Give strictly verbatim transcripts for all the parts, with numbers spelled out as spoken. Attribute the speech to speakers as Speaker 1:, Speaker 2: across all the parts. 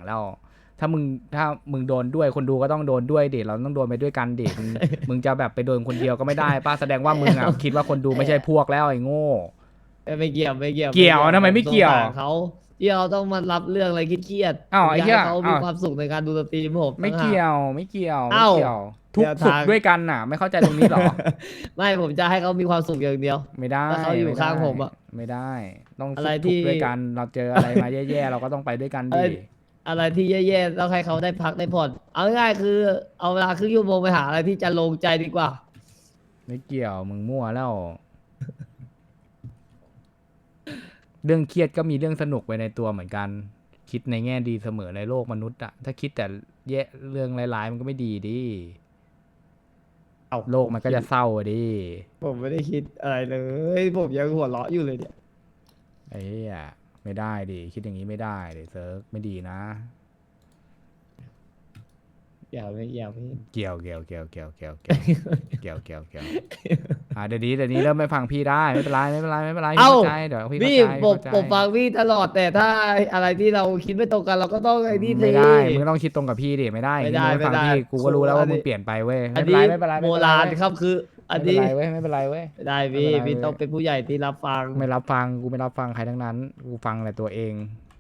Speaker 1: แล้ว ถ้ามึงถ้ามึงโดนด้วยคนดูก็ต้องโดนด้วยดิเราต้องโดนไปด้วยกันดิมึงมึงจะแบบไปโดนคนเดียวก็ไม่ได้ป้าแสดงว่ามึงอ่ะคิดว่าคนดูไม่ใช่พวกแล้วไอ้โง่
Speaker 2: ไม่เกี่ยวไม่เกี่ยว
Speaker 1: เกี่ยวทำไมไม่เกี่ยว
Speaker 2: สงสารเขาที่เราต้องมารับเรื่องอะไรเครียดๆ
Speaker 1: อ้าวไอ้เหี้ย
Speaker 2: ผมกให้เขามี
Speaker 1: อ้าว
Speaker 2: ความสุขในการดูสตรีมผม
Speaker 1: ไม่
Speaker 2: ต่างหา
Speaker 1: เกี่ยวไม่เกี่ยวไม่
Speaker 2: เอ้า
Speaker 1: เกี่ยวทุก
Speaker 2: เดี๋ยว
Speaker 1: สุข
Speaker 2: ทาง
Speaker 1: ด้วยกันน่ะ ไม่เข้าใจตรงนี้หรอ
Speaker 2: ไม่ผมจะให้เขามีความสุขอย่างเดียว
Speaker 1: ไม่ได้
Speaker 2: ถ้าเขาอยู่
Speaker 1: ไได้
Speaker 2: ข้างผมอะ
Speaker 1: ไม่ได้ ต้อง
Speaker 2: อะไร
Speaker 1: สุข
Speaker 2: ที่
Speaker 1: ทุกข์ด้วยกันเราเจออะไรมาแย่ๆเราก็ต้องไปด้วยกัน
Speaker 2: อะไร
Speaker 1: ดิ
Speaker 2: อะไรที่แย่ๆต้องให้เขาได้พักได้ผ่อนเอาง่ายๆคือ เอาเวลาครึ่งชั่วโมงไปหาอะไรที่จะลงใจดีกว่า
Speaker 1: ไม่เกี่ยวมึงมั่วแล้ว เรื่องเครียดก็มีเรื่องสนุกไปในตัวเหมือนกัน คิดในแง่ดีเสมอในโลกมนุษย์อะถ้าคิดแต่แย่เรื่องร้ายๆมันก็ไม่ดีดิ
Speaker 2: เอา
Speaker 1: โลกมันก็จะเศร้าอะดิ
Speaker 2: ผมไม่ได้คิดอะไรเลย ผมยังหัวเราะอยู่เลยเนี่ย
Speaker 1: ไอ้เหี้ยไม่ได้ดิคิดอย่างนี้ไม่ได้ดิเซิร์ฟไม่ดีนะ
Speaker 2: อย่าไม่อย่าไม่
Speaker 1: เกี่ยวเกี่ยวเกี่ยวเกี่ยวเกี่ยวเกี่ยวเกี่ยวเกี่ยวเกี่ยวอ่าเดี๋ยวนี้เดี๋ยวนี้เริ่มไม่ฟังพี่ได้ไม่เป็นไรไม่เป็นไรไม่เป็นไรพี่
Speaker 2: เอ้า
Speaker 1: เข้าใจเดี๋ยวพี่
Speaker 2: พี่
Speaker 1: เข้าใจ
Speaker 2: ผม
Speaker 1: เข้าใจ
Speaker 2: ผมฟังพี่ตลอดแต่ถ้าอะไรที่เราคิดไม่ตรงกันเราก็ต้องไอ้นี่สิ
Speaker 1: ไม่ได้มึงต้องคิดตรงกับพี่ดิไม่ได้
Speaker 2: ไม่ได้
Speaker 1: มึงฟัง
Speaker 2: ไม่ได้
Speaker 1: พี่กูก็รู้แล้ว
Speaker 2: อั
Speaker 1: ว่าน
Speaker 2: นี้
Speaker 1: มึงเปลี่ยนไปเว้ย
Speaker 2: อั
Speaker 1: ไม่
Speaker 2: น
Speaker 1: เป็นไร
Speaker 2: นี้
Speaker 1: ไม่เป็นไร
Speaker 2: โบ
Speaker 1: ไม่เป็นไร
Speaker 2: ราณครับคือ อัน
Speaker 1: ไม่เป็น
Speaker 2: นี้
Speaker 1: ไรเว้ยไม่เป็นไรเว้ย
Speaker 2: ไม่ได้พี่
Speaker 1: ไม่เป็นไร
Speaker 2: พี่ต้อง
Speaker 1: เว้ย
Speaker 2: เป็นผู้ใหญ่ที่รับฟัง
Speaker 1: ไม่รับฟังกูไม่รับฟังใครทั้งนั้นกูฟังแต่ตัวเอง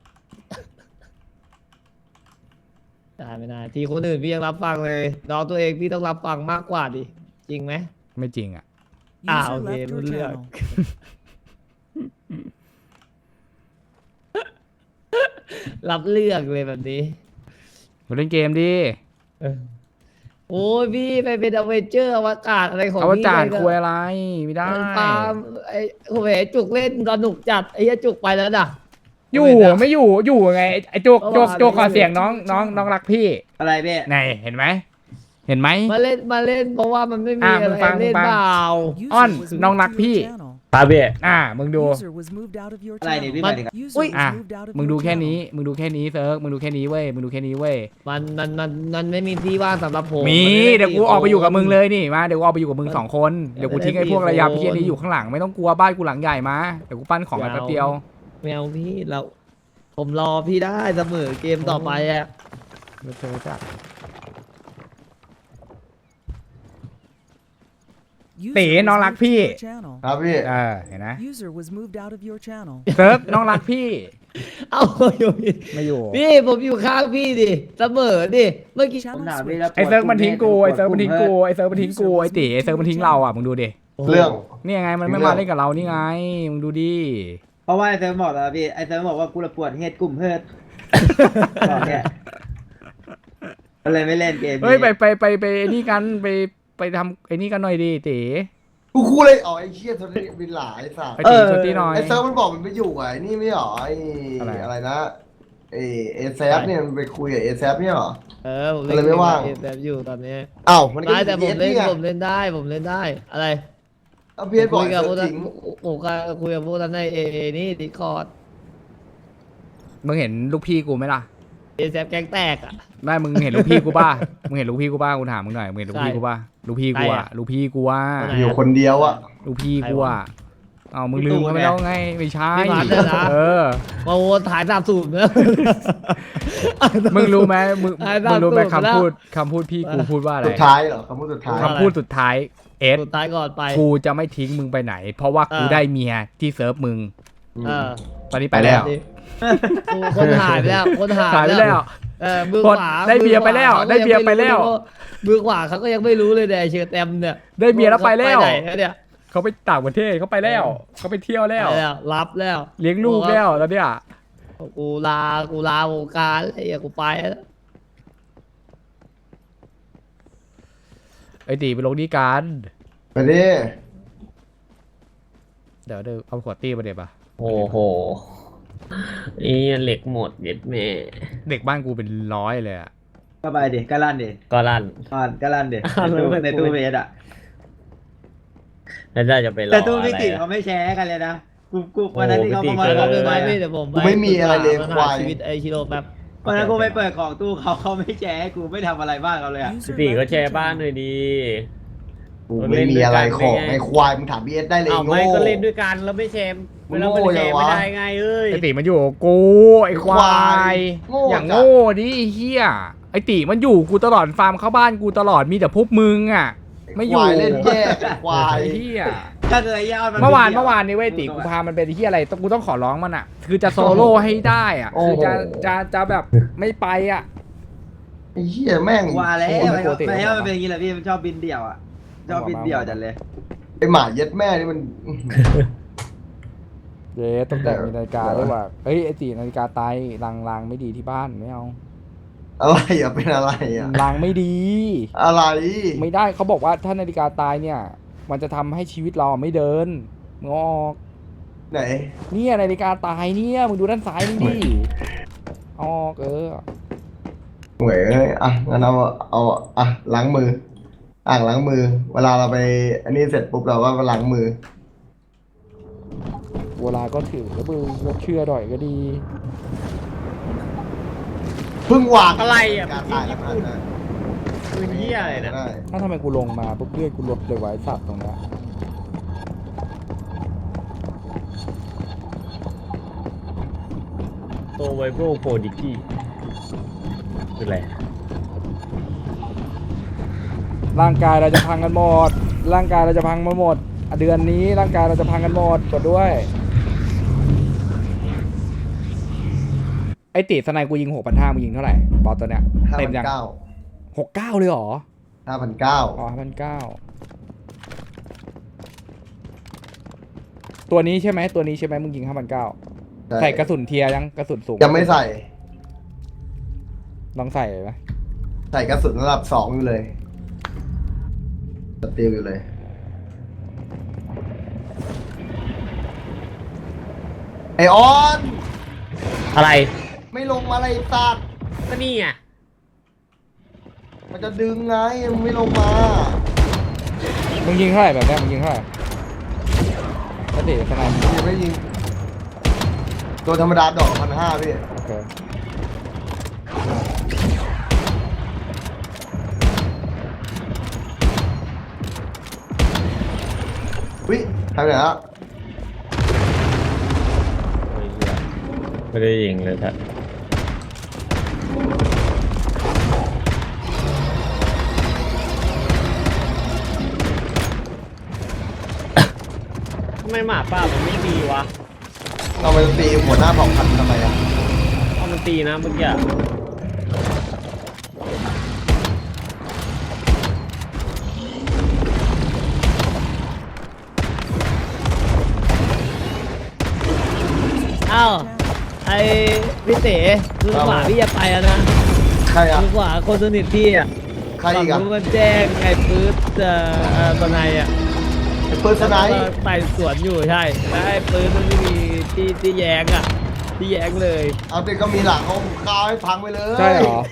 Speaker 2: ได้ไม่ได้ทีคนอื่นพี่ยังรับฟังเลยน้องตัวเองพี่ต้องรับฟังมากกว่าดิจริงไหม
Speaker 1: ไม่จริงอ่ะ
Speaker 2: อ่า
Speaker 3: User
Speaker 2: โอเค
Speaker 3: left
Speaker 2: รู้
Speaker 3: your
Speaker 2: เรื่อง
Speaker 3: channel.
Speaker 2: รับเรื่องเลยแบบนี้
Speaker 1: มาเล่นเกมดิ
Speaker 2: โอ้ยพี่ไปเป็นอเวนเจอร์อวกาศอะไรของ
Speaker 1: เอา
Speaker 2: พี่
Speaker 1: จาน
Speaker 2: ไป
Speaker 1: คุยอะไรไม่ได้
Speaker 2: ฟาร์มไอ้โอ้โหจุกเล่นสนุกจัดไอ้เหี้ยจุกไปแล้วน่ะ
Speaker 1: อยู่ไม่อยู่อยู่ไงไอ้โจกโจกโจกขอเสียงน้องน้องน้องรักพี่
Speaker 4: อะไรพี่
Speaker 1: ไหนเห็นไหมเห็นไหม
Speaker 2: มาเล่นมาเล่นเพราะว่ามันไม่มี
Speaker 1: อ่ะ
Speaker 2: อะ
Speaker 1: มึ
Speaker 2: ไรง
Speaker 1: ฟัง
Speaker 2: เล่น
Speaker 1: มึงฟัง
Speaker 2: เปล่า
Speaker 3: User
Speaker 1: On,
Speaker 3: was
Speaker 1: น้อง
Speaker 3: moved
Speaker 1: รัก
Speaker 3: to
Speaker 1: พี่
Speaker 3: your channel.
Speaker 4: ครับพี่
Speaker 1: อ่ามึงดู
Speaker 3: User was moved out of your
Speaker 4: อะไรเนี่ย
Speaker 3: channel.
Speaker 4: พี่หมายถึง
Speaker 3: User
Speaker 2: อุ้ย
Speaker 3: was
Speaker 1: อ่ะ
Speaker 3: moved out of
Speaker 1: มึง
Speaker 3: your
Speaker 1: ดูแค่
Speaker 3: channel.
Speaker 1: นี้มึงดูแค่นี้เซิร์ฟมึงดูแค่นี้เว้ยมึงดูแค่นี้เว้ย
Speaker 2: มันมันมันมันไม่มีที่ว่างสำหรับผม
Speaker 1: มี
Speaker 2: นไม่
Speaker 1: เดี๋ยวกูออกไปอยู่กับมึงเลยนี่มาเดี๋ยวกูออกไปอยู่กับมึงสองคนเดี๋ยวกูทิ้งไอ้พวกระยำ
Speaker 2: ไม่ได้
Speaker 1: เพี้ยนี้อยู่ข้างหลังไม่ต้องกลัวบ้านกูหลังใหญ่มาเดี๋ยวกูปั้นของไปแป๊บเดียว
Speaker 2: ไม่เอาพี่เราผมรอพี่ได้เสมอเกมต่อไปอ่ะ
Speaker 1: ไม่เจอจ้ะ
Speaker 3: User
Speaker 1: ตี
Speaker 3: was
Speaker 1: น้องรัก
Speaker 3: moved to
Speaker 1: พี่
Speaker 3: your channel.
Speaker 4: ครับพี่
Speaker 1: เออเห็นนะ
Speaker 3: User was moved out of your channel.
Speaker 1: เซิร์ฟน้องรักพี่
Speaker 2: เอาอยู่พี่
Speaker 1: ไม่อยู่
Speaker 2: พี่ผมอยู่ข้างพี่ดิเสมอดิเมื่อกี้
Speaker 3: Channel
Speaker 4: ผมถามพี่
Speaker 3: switched.
Speaker 4: แล้ว
Speaker 1: ไอ้เซิร์ฟมันทิ้งกูไอ้เซิร์ฟมันทิ้งกูไอ้เซิร์ฟมันทิ้งกูไอ้ตีไอ้เซิร์ฟมันทิ้งเราอ่ะมึงดูดิ
Speaker 4: เรื่อง
Speaker 1: นี่ไงมันไม่มาเล่นกับเรานี่ไงมึงดูดิ
Speaker 4: เพราะว่าไอ้เซิร์ฟบอกแล้วพี่ไอ้เซิร์ฟบอกว่ากูระปวดเฮ็ดกลุ่มเฮิดบอกเนี่ยก็เลยไม่เล่นเกมนี้
Speaker 1: เฮ้ยไปไปไปไปไอ้นี่กันไปไปทำไอ้นี่กันหน่อยดิตี
Speaker 5: กูคู่เลยอ๋อไอ้เชี่ยโทนี่บินหลายสาม
Speaker 1: ไปตีชวนตีหน่อย
Speaker 5: ไอ้เซิร์ฟมันบอกมันไปอยู่อ่ะไอ้นี่ไม่หรอไอ้
Speaker 1: อะไร
Speaker 5: อะไรนะไอ้เอแซฟเนี่ยมันไปคุยกับเอแซฟเนี่ยหรอ
Speaker 2: เออผม
Speaker 5: อะไรไม่ว่าง
Speaker 2: เกมแบบอยู่ตอนนี้
Speaker 5: อ้าวมันก็
Speaker 2: ได้แต่ผมเล่น
Speaker 5: ไง
Speaker 2: ผมเล่นได้ผมเล่นได้อะไร
Speaker 5: เอาเพียนบอก
Speaker 2: คุย
Speaker 5: ไอ้
Speaker 2: กับ
Speaker 5: เซิ
Speaker 2: พว
Speaker 5: ร์
Speaker 2: ก
Speaker 5: ฟ
Speaker 2: นั้น
Speaker 5: ทิ้ง
Speaker 2: ผมก็คุยกับพวกนั้นในเอนี่ดิคอร์ด
Speaker 1: มึงเห็นลูกพี่กูไหมล่ะ
Speaker 2: เอแซฟแก๊งแตกอ่ะ
Speaker 1: ไม่มึงเห็นลูกพี่กูป่ะมึงเห็นลูกพี่กูป่ะกูถามมึงหน่อยมึงเห็นลูกพี่
Speaker 2: ใช่
Speaker 1: กูป่ะลูกพี่กู
Speaker 2: ใคร
Speaker 1: อ่ะ
Speaker 2: อะ
Speaker 1: ลูกพี่กูอ่ะ
Speaker 2: คนไหน
Speaker 5: อยู่คนเดียวอ่ะ
Speaker 1: ลูกพี่กูอ่ะเอามึง
Speaker 4: พี่
Speaker 1: ลื
Speaker 4: ตู่
Speaker 1: มเขาไป
Speaker 4: ไง
Speaker 1: แล้วไงไม่ใช่
Speaker 2: พี่พัดเนี่ยนะ
Speaker 1: เออ
Speaker 2: มาโวนถ่ายสามสูบเนอะ
Speaker 1: มึงรู้ไหมมึง
Speaker 2: ไอ้
Speaker 1: มึงรู้ไหม
Speaker 2: ตามตูด
Speaker 1: คำพูด
Speaker 2: แล้ว
Speaker 1: คำพูดพี่กูพูดว่าอะไร
Speaker 5: สุดท้ายเหรอคำพูดสุดท้าย
Speaker 2: ครับ
Speaker 1: คำพูดสุดท้ายเอส
Speaker 2: สุดท้ายก่อนไป
Speaker 1: กูจะไม่ทิ้งมึงไปไหน เพราะว่ากู
Speaker 2: เออ
Speaker 1: ได้เมียที่เซิร์ฟมึง
Speaker 2: เออ
Speaker 1: ตอนนี้ไปแล้ว
Speaker 2: กูคนหายไปแล้วคนหาย
Speaker 1: หายไปแล้ว
Speaker 2: เออมือ
Speaker 1: คน
Speaker 2: ขวา
Speaker 1: ได้เบียร์ไปแล้ว
Speaker 2: มือขวา
Speaker 1: ได้เบียร์ไปแล้ว
Speaker 2: มือขวาเขาก็ยังไม่รู้เลยเนี่ยไอ้เชือแตมเนี่ย
Speaker 1: ได้เมียแล้วไปแล้ว
Speaker 2: ไหนเนี่ย
Speaker 1: เขาไปต่างประเทศเขาไปแล้วเขาไปเที่ยวแล้ว
Speaker 2: ไปแล้วรับแล้ว
Speaker 1: เลี้ยงลูกแล้วแล้วเนี่ย
Speaker 2: กูลากูลาวงการไอ้เหี้ยกูไปแล้ว
Speaker 1: ไอ้ตีไปลงนี่กัน
Speaker 5: ไปดิ
Speaker 1: เดี๋ยวเดี๋ยวเอาขวดตี้มาเดี๋ยวปะ
Speaker 6: โอ้โหนี่เหล็กหมดเย็ดแม่
Speaker 1: เด็กบ้านกูเป็นร้อยเลยอะ
Speaker 4: ก็ไปดิก็ลั่นดิ
Speaker 6: ก็ลั่น
Speaker 4: อ่อนก็ลั่นดิ
Speaker 6: อ่อน
Speaker 4: ในตู้
Speaker 6: แล้ว
Speaker 4: ในตู้เวทอ่ะ
Speaker 6: แล้วได้จะไปรอ
Speaker 4: แต่ตู้
Speaker 6: อะไร
Speaker 4: พี่กิ่ง
Speaker 6: อะ
Speaker 4: เขาไม่แชร์กันเลยนะกูกูวันนั้นที่เขา
Speaker 6: โอ้
Speaker 4: เข้า
Speaker 6: พี่
Speaker 4: มา
Speaker 6: กิ่ง
Speaker 4: เรา
Speaker 2: เดี๋ยว
Speaker 4: ไป
Speaker 2: ไม่
Speaker 4: อะ
Speaker 2: ไม่เดี๋ยวผม
Speaker 5: กูไม่มีอะไรเลย
Speaker 2: ปัญ
Speaker 5: ควา
Speaker 2: หาย ชีวิตไอ้ชิโร่แป๊บ
Speaker 4: วันนั้นกูไปเปิดของตู้เขาเขาไม่แชร์ให้กูไม่ทำอะไรบ้างเขาเลยอ่ะ
Speaker 3: User
Speaker 6: พี่ตี
Speaker 3: left
Speaker 6: ก็
Speaker 3: your
Speaker 6: แชร์บ้านหน่อย
Speaker 3: channel.
Speaker 6: ดี
Speaker 5: กูไม่มีอะไรของไอ้ควายมึงถามบีเอสได้เลย
Speaker 6: เอา
Speaker 5: โง่
Speaker 6: ไม่ก็เล่นด้วยกันแล้วไม่แชร์
Speaker 5: มึง
Speaker 6: เรา
Speaker 5: โง่
Speaker 6: มันแช
Speaker 5: ยัง
Speaker 6: ร์ไม่
Speaker 5: วะ
Speaker 6: ได้ไงเอ้ย
Speaker 1: ไอติมันอยู่กับกูไอควา
Speaker 5: ควาย
Speaker 1: ย
Speaker 5: โง่
Speaker 1: อย่าง
Speaker 5: จัด
Speaker 1: โง่ดิไอ้เฮียไอติมันอยู่กูตลอดฟาร์มเข้าบ้านกูตลอดมีแต่พวกมึงอ่ะ ไม่อยู่
Speaker 5: ควายเล่นแย่ควาย
Speaker 1: ไอ้เฮีย
Speaker 4: ถ้าเคยย่า
Speaker 1: เมื่อวานเมื่อวานนี้เว้ยติกูพามันเป็นที่อะไรต้องกูต้องขอร้องมันอ่ะ คือจะโซโล่ให้ได้อ่ะ คือจะจะจะแบบไม่ไปอ่ะ
Speaker 5: ไอ้เหี้ยแม่ง
Speaker 4: ว่าแล้ว
Speaker 1: โอ้โหไม่ปกติ
Speaker 4: ไม่ให้มันเป็นอย่างนี้แหละพี่มันชอบบินเดี่ยวอ่ะชอบบินเดี่ยวจัดเลย
Speaker 5: ไอ้หมาเย็ดแม่นี่มัน
Speaker 1: เย้ต้องแต่งมีนาฬิกาด้วยว่ะเฮ้ยไอตินาฬิกาตายรางรางไม่ดีที่บ้านไม่เอา
Speaker 5: อะไรอ่ะเป็นอะไรอ่ะ
Speaker 1: รางไม่ดี
Speaker 5: อะไร
Speaker 1: ไม่ได้เขาบอกว่าถ้านาฬิกาตายเนี่ย มันจะทำให้ชีวิตเราไม่เดินมึงเอาออก
Speaker 5: ไหน
Speaker 1: เนี่ยนาฬิกาตายเนี่ยมึงดูด้านซ้ายมึงดิเอาออกเออ
Speaker 5: เหวยเอ้ยอ่ะงั้นเอาเอาอ่ะล้างมือ อ่างล้างมือ เวลาเราไป อันนี้เสร็จปุ๊บเราก็มาล้างมือ
Speaker 1: เวลาก็ถือแล้วมึงก็เชื่อหน่อยก็ดี
Speaker 5: เพิ่งวาง
Speaker 6: อะไรอ่ะ
Speaker 5: การตายแล้วนะ
Speaker 6: ปืนเหี้ยอะไรเนี่ย
Speaker 5: ได้
Speaker 1: ถ้าทำไมกูลงมาปุ๊บเลือดกูลดเลยไว้สัตว์ตรงเนี้ย
Speaker 6: โตไวโบโฟดิกี้คืออะไร
Speaker 1: ร่างกายเราจะพังกันหมด ร่างกายเราจะพังมาหมดอ่ะเดือนนี้ร่างกายเราจะพังกันหมดกดด้วย ไอติสไนกูยิงหกพันห้ามึงยิงเท่าไหร่บอสตัวเนี้ย
Speaker 5: ห้า
Speaker 1: เต็
Speaker 5: พั
Speaker 1: ม
Speaker 5: น
Speaker 1: ยัง
Speaker 5: เก้า
Speaker 1: หกเก้าเลยเหรอ
Speaker 5: ห้าพันเก้า
Speaker 1: อ๋อพันเก้าตัวนี้ใช่ไหมตัวนี้ใช่ไหมมึงยิงห้าพันเก้าใส่กระสุนเทียร์ยังกระสุนสูง
Speaker 5: ยังไม่ใส่
Speaker 1: ลองใส่ไหม
Speaker 5: ใส่กระสุนระดับสองอยู่เลยสตีลอยู่เลย ไอออน
Speaker 6: อะไร
Speaker 5: ไม่ลงมาอะไรตัด
Speaker 6: ก็นี่ไง
Speaker 5: มันจะดึงไงมันไม่ลงมา
Speaker 1: มึงยิงเท่าไหร่แบบเนี้ยมึงยิงเท่าไหร่ก็ติสไนมึง
Speaker 5: ยังไม่ยิง ตัวธรรมดาดอกพันห้าพี่
Speaker 1: โอเค
Speaker 5: วิทำไหนละ
Speaker 6: ไม่ได้ยิงเลยครับทำไมหมาป่ามันไม่ดีวะ
Speaker 5: เราไปตีหัวหน้าเผ่าพันธุ์ทำไมอ่ะ
Speaker 6: เอามันตีนะเมื่อกี้อะอ้าวไอ้พี่เต๋คือขวาพี่จะไปแล้วนะ
Speaker 5: ใครอ่ะ
Speaker 6: คือขวาคนสนิทพี่อ่ะ
Speaker 5: ใครอีกอ่ะ
Speaker 6: ฝั่งนู้นมันแจ้งไอ้ปื๊ดเอ่อเอ่อตอนไหนอ่ะ
Speaker 5: ไอ้เปิร์สไน
Speaker 6: แล้วก็ไต่สวนอยู่ใช่แล้วไอ้ปืนมันไม่มีที่ที่แย้งอ่ะที่แย้งเลย
Speaker 5: เอาเด็กก็มีหลังเขาคาวให้พังไปเลย
Speaker 1: ใช่เหรอ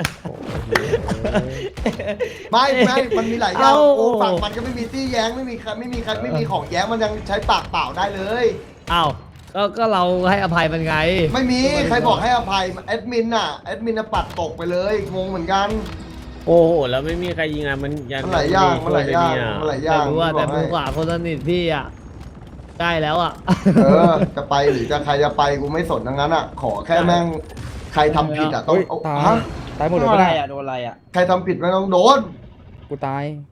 Speaker 5: ไม่ไม่มันมีหลายอย่างโอ้ฝั่งมันก็ไม่มีตี้แย้งไม่มีใครไม่มีใครไม่มีของแย้งมันยังใช้ปากเปล่าได้เลย
Speaker 6: อ้าวก็ก็เราให้อภัยมันไง
Speaker 5: ไม่มีใครบอกให้อภัยแอดมินน่ะแอดมินน่ะปัดตกไปเลยงงเหมือนกัน
Speaker 6: โอ้โหแล้วไม่มีใครยิงอ่ะมันยั
Speaker 5: มันหลายอย่างมันหลายอย่างมันหลายอย่าง
Speaker 6: แต่รู้ว่า
Speaker 5: บ
Speaker 6: แต่
Speaker 5: อก
Speaker 6: มื
Speaker 5: ให้
Speaker 6: อขวาคนสนิทพี่อ่ะใกล้แล้วอ่ะ
Speaker 5: เออจะไปหรือจะใครจะไปกูไม่สนทั้งนั้นอ่ะขอแค่แม่งใครทำผิดอ่ะต้อง
Speaker 1: เฮ้ย
Speaker 5: เอา
Speaker 1: ตาย
Speaker 5: ฮะ
Speaker 1: ตายหมดเลย
Speaker 4: โดน
Speaker 1: ไม่
Speaker 4: อะไร
Speaker 1: ได้
Speaker 4: อ่ะโดนอะไรอ่ะ
Speaker 5: ใครทำผิดไม่ต้องโดน
Speaker 1: กูตาย